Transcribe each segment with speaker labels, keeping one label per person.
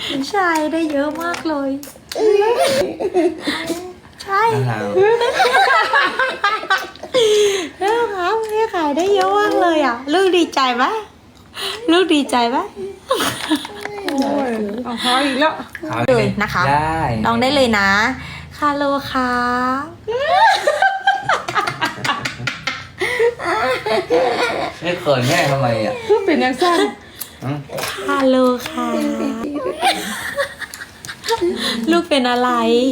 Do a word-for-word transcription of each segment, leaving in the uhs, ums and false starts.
Speaker 1: ใช่ได้เยอะมากเลยใช่เรื่องครับแม่ขายได้เยอะมากเลยอ่ะลูกดีใจไหมลูกดีใจไหม
Speaker 2: เอาเขาอีกแล้ว
Speaker 1: เลยนะคะลองได้เลยนะคาโลค่ะ
Speaker 3: ไม่เขินแม่ทำไมอ่ะ
Speaker 2: เป็นยังสั้น
Speaker 1: คาโลค่ะลูกเป็นอะไร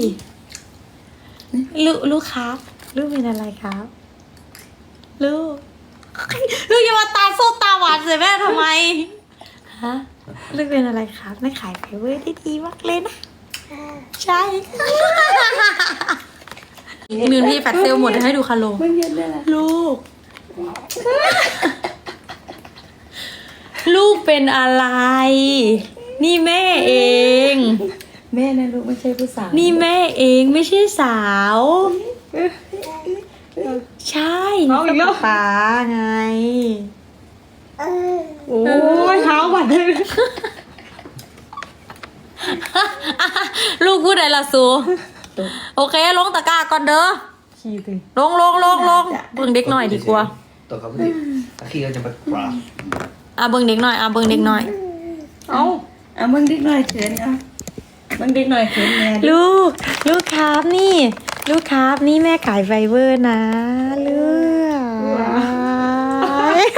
Speaker 1: ลูกลูกครับลูกเป็นอะไรครับลูกลูกอย่ามาตาโซตาหวานใส่แม่ทำไมฮะลูกเป็นอะไรครับแม่ขายไฟเวอร์ได้ดีมากเลยนะใช่มิวที่แฟตเซลหมดให้ดูคาโลลูกลูกเป็นอะไรนี่แม่เอง
Speaker 2: แม่นะลูกไม่ใช่ผู้สาว
Speaker 1: นี่แม่เองไม่ใช่สาวใช่นี่ก็ป๊าไง
Speaker 2: โอ้ยเท้าบัดเลย
Speaker 1: ลูกพูดอะไรล่ะซูโอเคลงตะกร้าก่อนเด้อ
Speaker 2: ขี้ตึง
Speaker 1: ลงลงลงลงเบิ่งเด็กหน่อยดีกว่า
Speaker 3: ตกกับพี่ตะขี้ก็จะไปปลา
Speaker 1: อ่ะเบิ่งเด็กหน่อยอ่ะเบิ่งเด็กหน่อย
Speaker 2: เอาเอามึงดิกหน่อยเขินอ่ะมึงดิกหน่อยเขินแม่
Speaker 1: ลูกลูกครับนี่ ลูกครับนี่แม่ขายไฟเวอร์นะลูก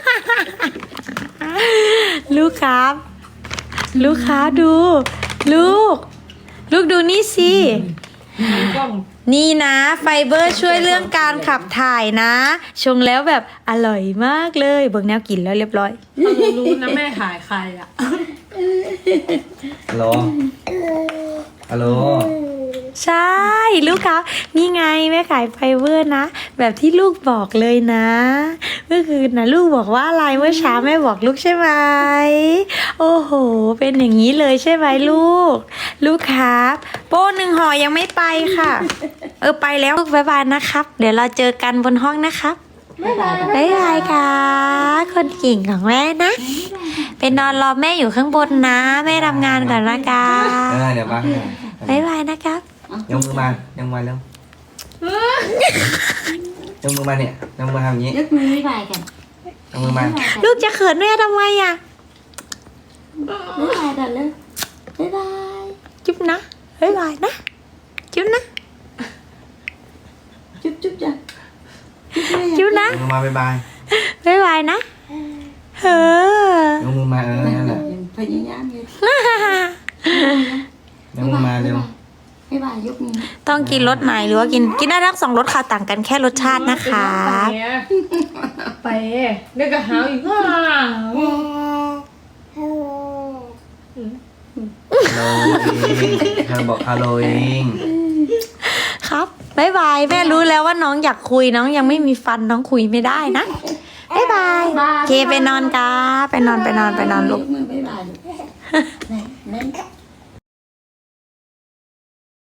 Speaker 1: ลูกครับ ลูกครับดู ลูก ลูกดูนี่สิ
Speaker 2: กล้อง
Speaker 1: นี่นะไฟเบอร์ช่วยเรื่องการขับถ่ายนะ ชงแล้วแบบอร่อยมากเลยเบิ่งแนวกินแล้วเรียบร้อย
Speaker 2: เรารู้นะแม่ขายใครอ่ะ
Speaker 3: ฮัลโหลฮัลโหล
Speaker 1: ใช่ลูกครับนี่ไงแม่ขายไฟเบอร์นะแบบที่ลูกบอกเลยนะเมื่อคืนนะลูกบอกว่าอะไรเมื่อเช้าแม่บอกลูกใช่ไหมโอ้โหเป็นอย่างนี้เลยใช่ไหมลูก ลูกครับโป้หนึ่งห่อยังไม่ไปค่ะ เออไปแล้วลูกบ๊ายบายนะครับ เดี๋ยวเราเจอกันบนห้องนะครับบ๊ายบายบ๊ายบายค่ะคนเก่งของแม่นะไปนอนรอแม่อยู่ข้างบนนะแม่ทำงานก่อนนะคะ
Speaker 3: เออเดี๋ยวมา
Speaker 1: บ๊ายบายนะครับ
Speaker 3: ยกมือมายกมือเร็วยกมือมาเนี่ยยกมือทำอย่างนี้
Speaker 4: ยกมือบ๊ายบายกัน
Speaker 3: ยกมือมา
Speaker 1: ลูกจะเขินแม่ทำไมอ่ะ
Speaker 4: บ๊ายบายกันเลยบ๊ายบาย
Speaker 1: จุ๊บนะบ๊ายบายนะ จุ๊บนะ
Speaker 4: จุ๊บจุ๊บจ้ะ
Speaker 1: จุ๊บนะ
Speaker 3: ยกมือมาบ๊ายบาย
Speaker 1: บ๊ายบายนะเฮ้อย
Speaker 3: กมือมาเออนั่นแหละ
Speaker 4: ยังพยายามอยู่
Speaker 3: ยกมือมาเร็ว
Speaker 4: บ๊ายบายยกมือ
Speaker 1: ต้องกินรสไหนหรือว่ากินกินได้ทั้งสองรสค่ะต่างกันแค่รสชาตินะคะ
Speaker 2: ไปเด็กกระหาวอีกว่า
Speaker 3: ฮัลโหลเองเธอบอกฮัลโหลเอง
Speaker 1: ครับบ๊ายบายแม่รู้แล้วว่าน้องอยากคุยน้องยังไม่มีฟันน้องคุยไม่ได้นะบ๊ายบายโอเคไปนอนกันไปนอนไปนอนไปนอนลูก
Speaker 4: ยกมือบ๊ายบายลูกไหนไหน